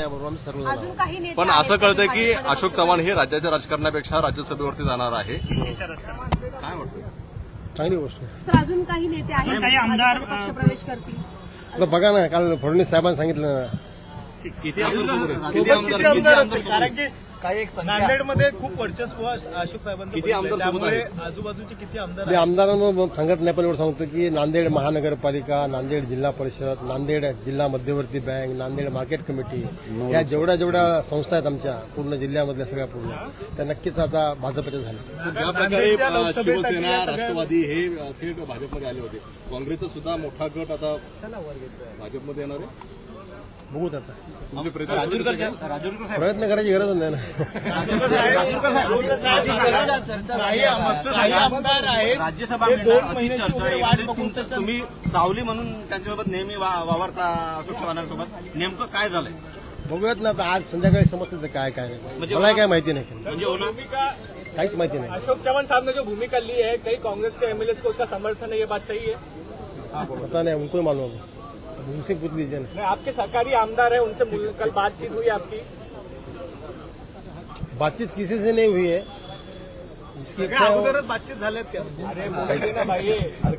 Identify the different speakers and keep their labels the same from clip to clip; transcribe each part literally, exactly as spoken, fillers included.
Speaker 1: अजून काही नेते
Speaker 2: पण असं कळतंय की अशोक चव्हाण हे राज्याच्या राजकारणापेक्षा राज्यसभेवरती जाणार आहे. काय वाटतं?
Speaker 3: चांगली गोष्ट आहे.
Speaker 1: सर अजून काही नेते आहेत
Speaker 4: काही आमदार
Speaker 1: पक्ष प्रवेश करतील.
Speaker 3: आता बघा ना, काल फडणवीस साहेबांनी सांगितलं ना,
Speaker 2: किती आमदार
Speaker 5: किती आमदार असतील? कारण की नांदेडमध्ये खूप वर्चस्व अशोक साहेबांचं
Speaker 2: किती आमदार
Speaker 5: बघितलंय.
Speaker 2: सोबत आहेत?
Speaker 5: त्यामुळे आजूबाजूचे किती आमदार
Speaker 3: मी
Speaker 5: आहेत?
Speaker 3: आमदारांना सांगत नाही, पण एवढं सांगतो की नांदेड महानगरपालिका, नांदेड जिल्हा परिषद, नांदेड जिल्हा मध्यवर्ती बँक, नांदेड मार्केट कमिटी, या जेवढ्या जेवढ्या संस्था आहेत आमच्या पूर्ण जिल्ह्यामधल्या सगळ्या पूर्ण, त्या नक्कीच आता भाजपच्या झाल्या.
Speaker 2: ज्या प्रकारे शिवसेना राष्ट्रवादी हे थेट भाजपमध्ये आले होते, काँग्रेसचा सुद्धा मोठा गट आता भाजपमध्ये येणार आहे.
Speaker 3: बघूत आता,
Speaker 2: तुमचे प्रयत्न
Speaker 3: प्रयत्न करायची गरज नाही ना.
Speaker 5: काही काही आमदार आहेत
Speaker 4: राज्यसभा
Speaker 5: ते
Speaker 4: मिळणार
Speaker 5: दोन
Speaker 4: अशी
Speaker 5: महिन्याची
Speaker 4: चर्चा
Speaker 5: वगैरे
Speaker 4: आहे.
Speaker 5: वाट
Speaker 4: एकंदरीत
Speaker 5: बघून
Speaker 4: तुम-
Speaker 5: त्याचं-
Speaker 4: तुम्ही सावली म्हणून त्यांच्यासोबत नेहमी वा- वावरता अशोक चव्हाणांसोबत, नेमकं काय झालंय?
Speaker 3: बघूयात ना आता, आज संध्याकाळी समजतं काय काय नाही.
Speaker 4: म्हणजे
Speaker 3: मला काय माहिती नाही,
Speaker 4: म्हणजे होणार
Speaker 3: काहीच माहिती नाही.
Speaker 6: अशोक चव्हाण साहब ने जो भूमिका ली है, कई कांग्रेस के एमएलए को उसका समर्थन है, ये बात सही है?
Speaker 3: पता नहीं, उनको ही मालूम है, उनसे पूछ लीजिए ना.
Speaker 6: नहीं, आपके सरकारी आमदार है, उनसे मुल- कल बातचीत हुई आपकी?
Speaker 3: बातचीत किसी से नहीं हुई है, जिसकी
Speaker 5: सगळ्या
Speaker 3: इच्छा हो.
Speaker 5: अगोदरच बातचीत झाल्यात त्या.
Speaker 6: अरे बोलिए ना भाई,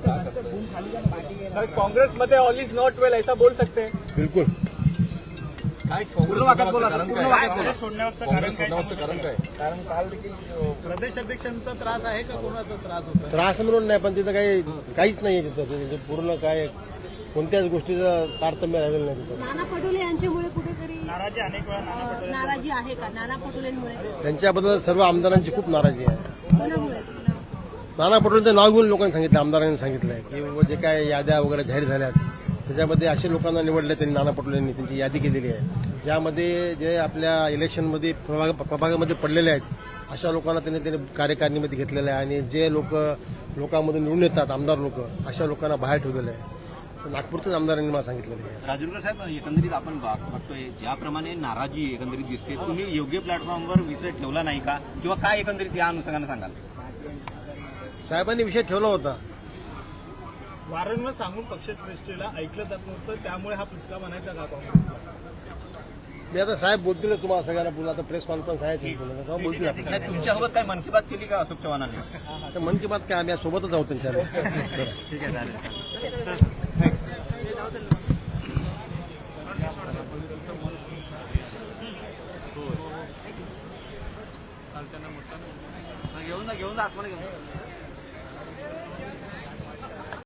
Speaker 6: कांग्रेस मध्ये ऑल इज नॉट वेल ऐसा बोल सकते हैं?
Speaker 3: बिल्कुल.
Speaker 4: पूर्ण वाक्यात बोला सर, पूर्ण वाक्यात बोला.
Speaker 5: काँग्रेस सोडण्याचं कारण काय?
Speaker 2: कारण काय?
Speaker 5: कारण काल देखील प्रदेश अध्यक्षांचा त्रास आहे का कोणाचा त्रास होता?
Speaker 3: त्रास म्हणून नाही, पण तिथं काही काहीच नाही आहे तिथं. तिथं पूर्ण काय कोणत्याच गोष्टीचं तारतम्य राहिलेलं नाही तिथं.
Speaker 1: नाना पटोले यांच्यामुळे कुठेतरी अं, नाराजी आहे का? नाना पटोलेंमुळे
Speaker 3: त्यांच्याबद्दल सर्व आमदारांची खूप नाराजी आहे.
Speaker 1: कोणामुळे?
Speaker 3: नाना पटोलेंचं नाव घेऊन लोकांनी सांगितलं, आमदारांनी सांगितलंय की बाबा जे काय याद्या वगैरे जाहीर झाल्यात त्याच्यामध्ये असे लोकांना निवडले त्यांनी, नाना पटोलेंनी त्यांची यादी केलेली आहे, ज्यामध्ये जे आपल्या इलेक्शनमध्ये प्रभाग प्रभागामध्ये पडलेले आहेत अशा लोकांना त्यांनी त्यांनी कार्यकारिणीमध्ये घेतलेलं आहे. आणि जे लोक लोकांमधून निवडून येतात, आमदार लोक, अशा लोकांना बाहेर ठेवलेलं आहे. नागपूरच्याच आमदारांनी मला सांगितलेलं आहे.
Speaker 4: राजूरकर साहेब, एकंदरीत आपण बघ- बघतोय ज्याप्रमाणे नाराजी एकंदरीत दिसते, तुम्ही योग्य प्लॅटफॉर्मवर विषय ठेवला नाही का, किंवा काय एकंदरीत या अनुषंगाने सांगाल?
Speaker 3: साहेबांनी विषय ठेवला होता.
Speaker 5: वारंवार सांगून पक्षश्रेष्ठीला ऐकलं जात नव्हतं, त्यामुळे हा फुटका म्हणायचा का काँग्रेसला?
Speaker 3: मी आता साहेब बोलतील तुम्हाला सगळ्यांना, पुन्हा आता प्रेस कॉन्फरन्स आहे तेव्हा बोलतील आपण.
Speaker 4: नाही, तुमच्यासोबत काय मन की बात केली का अशोक चव्हाणांनी?
Speaker 3: तर मन की बात काय, आम्ही आज सोबतच आहोत त्यांच्या.
Speaker 4: ठीक आहे, चालेल.